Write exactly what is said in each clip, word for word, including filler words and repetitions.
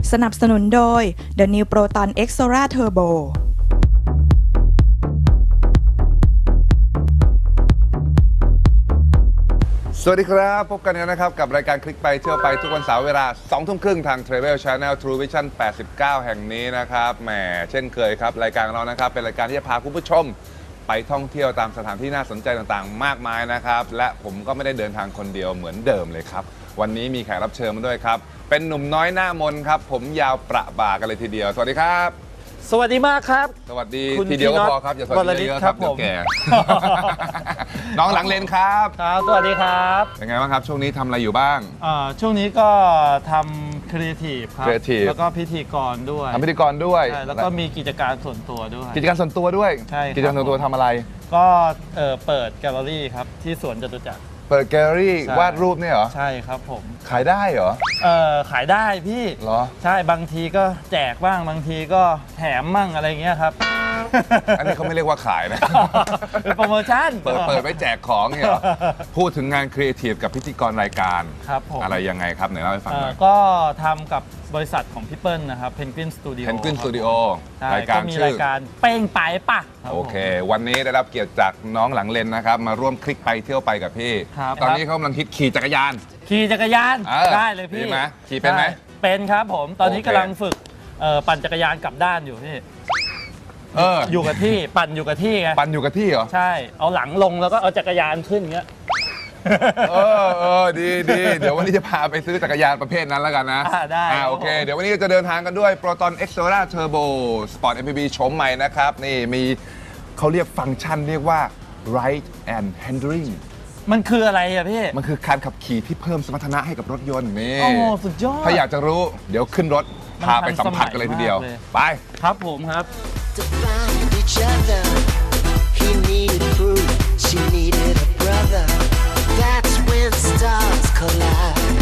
สนับสนุนโดย The New Proton X Solar Turbo สวัสดีครับพบกันแล้วนะครับกับรายการคลิกไปเที่ยวไปทุกวันเสาร์เวลาสองทุ่มครึ่งทาง Travel Channel True Vision แปดสิบเก้าแห่งนี้นะครับแหมเช่นเคยครับรายการของเรานะครับเป็นรายการที่จะพาคุณผู้ชมไปท่องเที่ยวตามสถานที่น่าสนใจต่างๆมากมายนะครับและผมก็ไม่ได้เดินทางคนเดียวเหมือนเดิมเลยครับวันนี้มีแขกรับเชิญมาด้วยครับเป็นหนุ่มน้อยหน้ามนครับผมยาวประบ่ากันเลยทีเดียวสวัสดีครับสวัสดีมากครับสวัสดีทีเดียวก็พอครับอย่าสวัสดีเยอะครับเดี๋ยวแก่ น้องหลังเลนครับครับสวัสดีครับเป็นไงบ้างครับช่วงนี้ทำอะไรอยู่บ้างช่วงนี้ก็ทำครีเอทีฟครับแล้วก็พิธีกรด้วยทำพิธีกรด้วยแล้วก็มีกิจการส่วนตัวด้วยกิจการส่วนตัวด้วยใช่กิจการส่วนตัวทำอะไรก็เปิดแกลเลอรี่ครับที่สวนจตุจักรเปิดแกลเลอรี่วาดรูปเนี่ยเหรอใช่ครับผมขายได้เหรอเออขายได้พี่เหรอใช่บางทีก็แจกบ้างบางทีก็แถมมั่งอะไรเงี้ยครับอันนี้เขาไม่เรียกว่าขายนะเป็นโปรโมชั่นเปิดเปิดไว้แจกของเนี่ยเหรอพูดถึงงานครีเอทีฟกับพิธีกรรายการครับผมอะไรยังไงครับไหนเล่าให้ฟังหน่อยก็ทำกับบริษัทของพี่เปิ้ลนะครับ Penguin Studio Penguin Studio รายการชื่อรายการเป้งไปป่ะโอเควันนี้ได้รับเกียรติจากน้องหลังเลนนะครับมาร่วมคลิกไปเที่ยวไปกับพี่ตอนนี้เขากำลังคิดขี่จักรยานขี่จักรยานได้เลยพี่ไหมขี่เป็นไหมเป็นครับผมตอนนี้กำลังฝึกปั่นจักรยานกลับด้านอยู่พี่เอออยู่กับที่ปั่นอยู่กับที่ไงปั่นอยู่กับที่เหรอใช่เอาหลังลงแล้วก็เอาจักรยานขึ้นเงี้ยเออเออดีดีเดี๋ยววันนี้จะพาไปซื้อจักรยานประเภทนั้นแล้วกันนะได้อ่าโอเคเดี๋ยววันนี้จะเดินทางกันด้วย Proton X Solar Turbo Sport เอ็ม พี วี โฉมใหม่นะครับนี่มีเขาเรียกฟังก์ชันเรียกว่า Ride and Handling มันคืออะไรอะพี่มันคือการขับขี่ที่เพิ่มสมรรถนะให้กับรถยนต์นี่โอ้สุดยอดถ้าอยากจะรู้เดี๋ยวขึ้นรถพาไปสัมผัสกันเลยทีเดียวไปครับผมครับ He needed fruit, she needed a brother. That's when stars collide.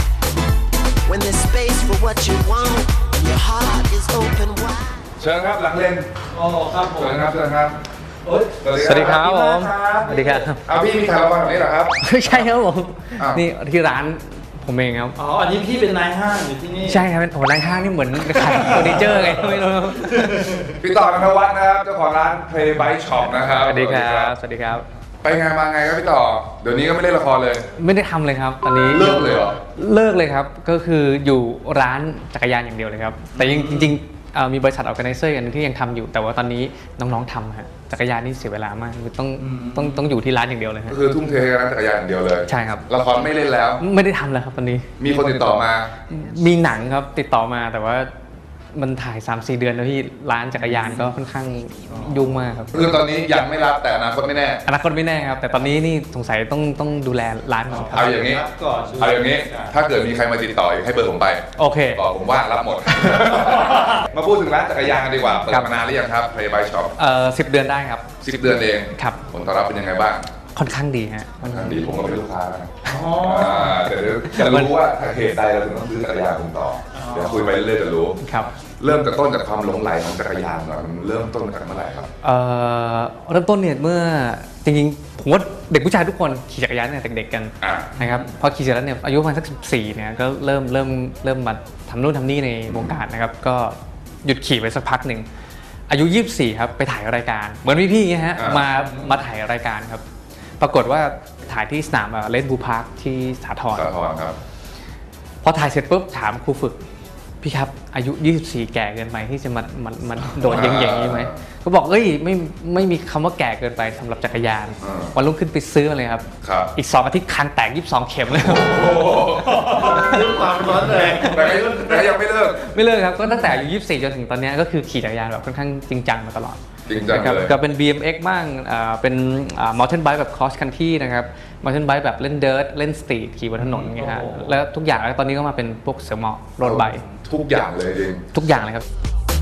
When there's space for what you want, your heart is open wide. เชิญครับหลังเลนโอ้ครับผมเชิญครับเชิญครับสวัสดีครับผมสวัสดีครับเอาพี่มีคาราวานแบบนี้เหรอครับไม่ใช่ครับผมนี่ที่ร้านผมเองครับอ๋ออันนี้พี่เป็นนายห้างอยู่ที่นี่ใช่ครับโอ้นายห้างนี่เหมือนขายเฟอร์นิเจอร์ไงไม่รู้พี่ต่อณัฐวัฒน์นะครับเจ้าของร้าน Play Bike Shop นะครับสวัสดีครับสวัสดีครับไปไงมาไงครับพี่ต่อเดี๋ยวนี้ก็ไม่เล่นละครเลยไม่ได้ทำเลยครับตอนนี้เลิกเลยเหรอเลิกเลยครับก็คืออยู่ร้านจักรยานอย่างเดียวเลยครับแต่จริงๆมีบริษัท Organizer อันนึงที่ยังทำอยู่แต่ว่าตอนนี้น้องๆทำฮะจักรยานนี่เสียเวลามากคือต้องต้องต้องอยู่ที่ร้านอย่างเดียวเลยก็คือทุ่มเทกับร้านจักรยานอย่างเดียวเลยใช่ครับละครไม่เล่นแล้วไม่ได้ทำแล้วครับตอนนี้มีคนติดต่อมามีหนังครับติดต่อมาแต่ว่ามันถ่าย สามสี่ เดือนแล้วที่ร้านจักรยานก็ค่อนข้างยุ่งมากครับคือตอนนี้ยังไม่รับแต่อนาคตไม่แน่อนาคตไม่แน่ครับแต่ตอนนี้นี่สงสัยต้องต้องดูแลร้านก่อนครับเอาอย่างนี้เอาอย่างนี้ถ้าเกิดมีใครมาติดต่อให้เบอร์ผมไปโอเคบอกผมว่ารับหมดมาพูดถึงร้านจักรยานกันดีกว่าเปิดมานานหรือยังครับ Play Bike Shop เอ่อสิบเดือนได้ครับสิบเดือนเองครับผลตอบรับเป็นยังไงบ้างค่อนข้างดีฮะค่อนข้างดีผมก็เป็นลูกค้านะแต่เดี๋ยวจะรู้ว่าเหตุใดเราถึงต้องซื้อจักรยานผมต่อเดี๋ยวคุยไปเรื่อยๆจะรู้ครับเริ่มจากต้นจากความหลงใหลของจักรยานก่อนมันเริ่มต้นมาจากเมื่อไหร่ครับเอ่อเริ่มต้นเนี่ยเมื่อจริงๆผมว่าเด็กผู้ชายทุกคนขี่จักรยานเนี่ยเด็กๆกันนะครับพอขี่เสร็จแล้วเนี่ยอายุประมาณสักสิบสี่เนี่ยก็เริ่มเริ่มเริ่มมาทำนู่นทำนี่ในวงการนะครับก็หยุดขี่ไปสักพักหนึ่งอายุยี่สิบสี่ครับไปถ่ายรายการเหมือนพี่ๆไงฮะมามาถ่ายรายการครับปรากฏว่าถ่ายที่สนามเลนบูพาร์คที่สาทรครับพอถ่ายเสร็จปุ๊บถามครูฝึกพี่ครับอายุยี่สิบสี่แก่เกินไปที่จะมามันมันโดดอย่างอย่างนี้ไหมเขาบอกเอ้ยไม่ไม่มีคำว่าแก่เกินไปสำหรับจักรยานวันรุ่งขึ้นไปซื้อเลยครับอีกสองอาทิตย์คางแตกยี่สิบสองเข็มเลยเรื่องความร้อนแรงแต่ยังไม่เลิกไม่เลิกครับก็ตั้งแต่อายุยี่สิบสี่จนถึงตอนนี้ก็คือขี่จักรยานแบบค่อนข้างจริงจังมาตลอดจริงจังเลยก็เป็น บี เอ็ม เอ็กซ์ บ้างเป็น mountain bike แบบ cross country นะครับ mountain bike แบบเล่น dirt เล่น street ขี่บนถนนอย่างเงี้ยฮะแล้วทุกอย่างแล้วตอนนี้ก็มาเป็นพวกเสือหมอบโรดไบค์ทุกอย่างเลยจริงทุกอย่างเลยครับ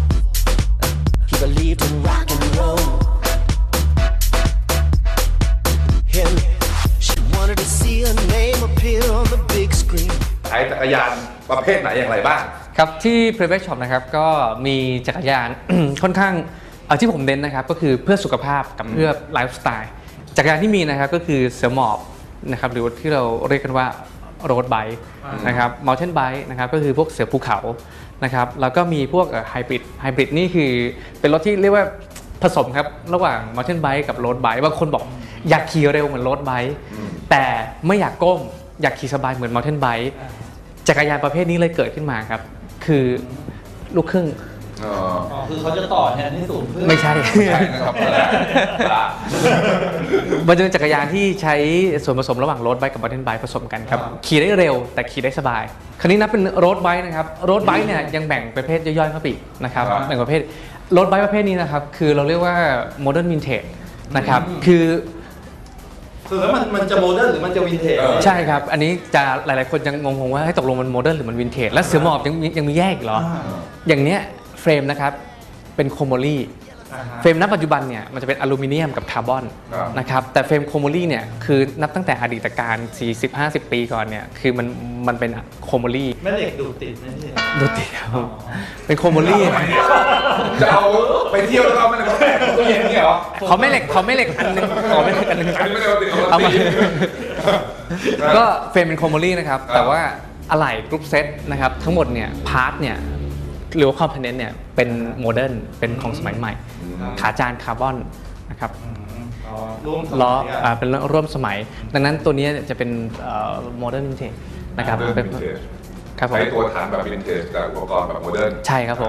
He believed in rock and roll Him she wanted to see her name appear on the big screen ใช้จักรยานประเภทไหนอย่างไรบ้างครับที่ Play Bike Shop นะครับก็มีจักรยาน ค่อนข้างเอาที่ผมเน้นนะครับก็คือเพื่อสุขภาพกับเพื่อไลฟ์สไตล์จักรยานที่มีนะครับก็คือเสือหมอบนะครับหรือที่เราเรียกกันว่าโรดไบค์นะครับมอลเทนไบค์นะครับก็คือพวกเสือภูเขานะครับแล้วก็มีพวกไฮบริดไฮบริดนี่คือเป็นรถที่เรียกว่าผสมครับระหว่างมอลเทนไบค์กับโรดไบค์บางคนบอกอยากขี่เร็วเหมือนโรดไบค์แต่ไม่อยากก้มอยากขี่สบายเหมือนมอลเทนไบค์จักรยานประเภทนี้เลยเกิดขึ้นมาครับคือลูกครึ่งอ๋ออ๋อคือเขาจะต่อแทนที่สูงขึ้นไม่ใช่ใช่นะครับมันจะเป็นจักรยานที่ใช้ส่วนผสมระหว่างโรดไบค์กับมอเตอร์ไบค์ผสมกันครับขี่ได้เร็วแต่ขี่ได้สบายคราวนี้นับเป็นโรดไบค์นะครับโรดไบค์เนี่ยยังแบ่งประเภทย่อยๆเข้าไปอีกนะครับแบ่งประเภทโรดไบค์ประเภทนี้นะครับคือเราเรียกว่าโมเดิร์นวินเทจนะครับคือคือแล้วมันมันจะโมเดิร์นหรือมันจะวินเทจใช่ครับอันนี้จะหลายๆคนยังงงๆว่าให้ตกลงมันโมเดิร์นหรือมันวินเทจและเสือหมอบยังยังมีแยกอีกเหรออย่างเนี้ยเฟรมนะครับเป็นโคโมลี่เฟรมณปัจจุบันเนี่ยมันจะเป็นอลูมิเนียมกับคาร์บอนนะครับแต่เฟรมโคโมลี่เนี่ยคือนับตั้งแต่อดีตการ สี่สิบห้าสิบ ปีก่อนเนี่ยคือมันมันเป็นโคโมลี่แม่เหล็กดูดติดนะพี่ดูติดครับเป็นโคโมลี่จะเอาไปเที่ยวแล้วก็ไม่ได้มาแปะตู้เย็นนี่เหรอเขาไม่เหล็กเขาไม่เหล็กอันนึงเขาไม่เหล็กอันนึงอันนี้ไม่ได้เอาติดเอาเอามาติดก็เฟรมเป็นโคโมลี่นะครับแต่ว่าอะไหล่กรุ๊ปเซตนะครับทั้งหมดเนี่ยพาร์ทเนี่ยหรือว่าคอมโพเนนต์เนี่ยเป็นโมเดิร์นเป็นของสมัยใหม่ขาจานคาร์บอนนะครับล้ออ่าเป็นร่วมสมัยดังนั้นตัวนี้จะเป็นโมเดิร์นวินเทจนะครับ Modern เป็น Vintage ครับผมใช้ตัวฐานแบบวินเทจแต่อุปกรณ์แบบโมเดิร์นใช่ครับผม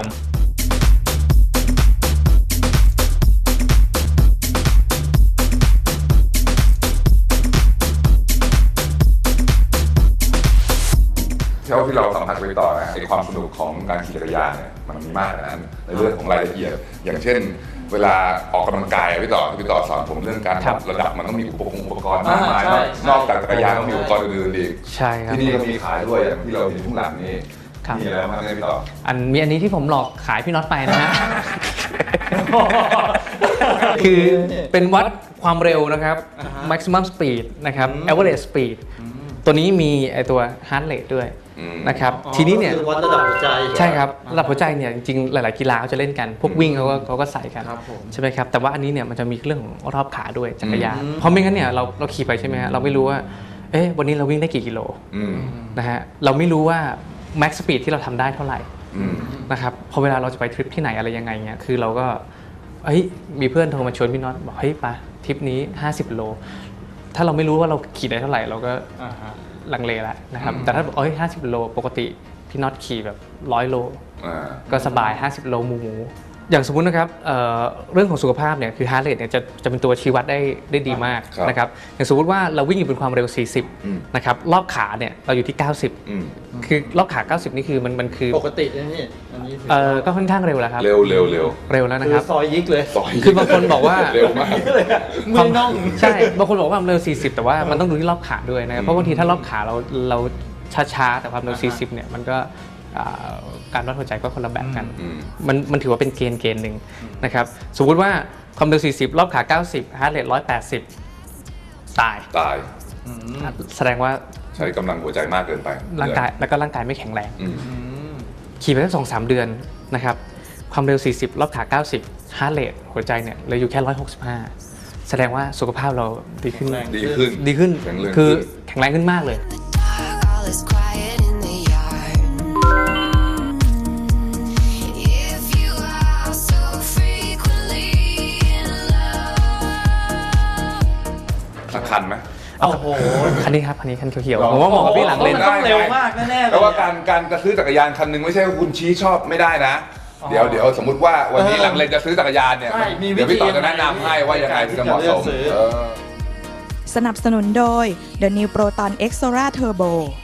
เท่าที่เราสัมผัสไปต่อนะไอความสนุกของการขี่จักรยานเนี่ยมันมีมากกว่านั้นในเรื่องของรายละเอียด อย่างเช่น เวลาออกกำลังกายพี่ต่อพี่ต่อสอนผมเรื่องการครับระดับมันต้องมีอุปกรณ์อุปกรณ์มากมายนอกจากจักรยานต้องมีอุปกรณ์อื่นๆอีกใช่ครับที่นี่ก็มีขายด้วยอย่างที่เราเห็นข้างหลังนี่ครับมีอะไรบ้างเนี่ยพี่ต่ออันมีอันนี้ที่ผมหลอกขายพี่น็อตไปนะฮะ คือเป็นวัดความเร็วนะครับ maximum speed นะครับ average speed ตัวนี้มีไอตัว heart rate ด้วยนะครับทีนี้เนี่ยคือวัดระดับหัวใจใช่ครับระดับหัวใจเนี่ยจริงๆหลายๆกีฬาเขาจะเล่นกันพวกวิ่งเขาก็เขาก็ใส่กันครับผมใช่ไหมครับแต่ว่าอันนี้เนี่ยมันจะมีเรื่องของรอบขาด้วยจักรยานเพราะไม่งั้นเนี่ยเราเราขี่ไปใช่ไหมฮะเราไม่รู้ว่าเอ๊ะวันนี้เราวิ่งได้กี่กิโลอืมนะฮะเราไม่รู้ว่า max speed ที่เราทำได้เท่าไหร่อืมนะครับพอเวลาเราจะไปทริปที่ไหนอะไรยังไงเงี้ยคือเราก็เฮ้ยมีเพื่อนโทรมาชวนพี่น็อตบอกเฮ้ยไปทริปนี้ห้าสิบโลถ้าเราไม่รู้ว่าเราขี่ได้เท่าไหร่เราก็ลังเลแล้วนะครับแต่ถ้าบอกเอ้ยห้าสิบโลปกติพี่น็อตขี่แบบร้อยโลอ่าก็สบายห้าสิบโลหมูหมูอย่างสมมุตินะครับเอ่อเรื่องของสุขภาพเนี่ยคือ heart rate เนี่ยจะจะเป็นตัวชี้วัดได้ได้ดีมากครับนะครับอย่างสมมติว่าเราวิ่งอยู่บนความเร็วสี่สิบอืมนะครับรอบขาเนี่ยเราอยู่ที่เก้าสิบอืมคือรอบขาเก้าสิบนี่คือมันมันคือปกตินะพี่อันนี้ถือเออก็ค่อนข้างเร็วแล้วครับเร็วเร็วเร็วเร็วแล้วนะคืคอรับซอยยิกเลยซอยคือบางคนบอกว่าเร็วมากมือน่องใช่บางคนบอกว่าความเร็วสี่สิบแต่ว่ามันต้องดูที่รอบขาด้วยนะครับเพราะบางทีถ้ารอบขาเราเราช้าๆแต่ความเร็วสี่สิบเนี่ยมันก็อ่าการวัดหัวใจก็คนละแบบกันอืมมันมันถือว่าเป็นเกณฑ์เกณฑ์หนึ่งนะครับสมมุติว่าความเร็วสี่สิบรอบขาเก้าสิบฮาร์ทเรทหนึ่งร้อยแปดสิบตายตายแสดงว่าใช้กำลังหัวใจมากเกินไปร่างกายแล้วก็ร่างกายไม่แข็งแรงอืมขี่ไปสักสองสามเดือนนะครับความเร็วสี่สิบรอบขาเก้าสิบฮาร์ทเรทหัวใจเนี่ยเหลยอยู่แค่หนึ่งร้อยหกสิบห้าแสดงว่าสุขภาพเราดีขึ้นดีขึ้นดีขึ้นแข็งแรงคือขึ้นแข็งแรงขึ้นมากเลย All is quiet in the yard. If you are so frequently in love. สักคันไหมโอ้โหคันนี้ครับคันนี้คันเขียวลองๆผมว่าเหมาะกับพี่หลังเลนมันต้องเร็วมากแน่ๆเลยแต่ว่าการการจะซื้อจักรยานคันหนึ่งไม่ใช่ว่าคุณชี้ชอบไม่ได้นะอ๋อเดี๋ยวเดี๋ยวสมมติว่าวันนี้เออหลังเลนจะซื้อจักรยานเนี่ยใช่มีวิธีเดี๋ยวพี่ต่อจะแนะนำให้ว่ายังไงถึงจะเหมาะสมในการที่จะเลือกซื้อเออสนับสนุนโดย The New Proton X Sora Turbo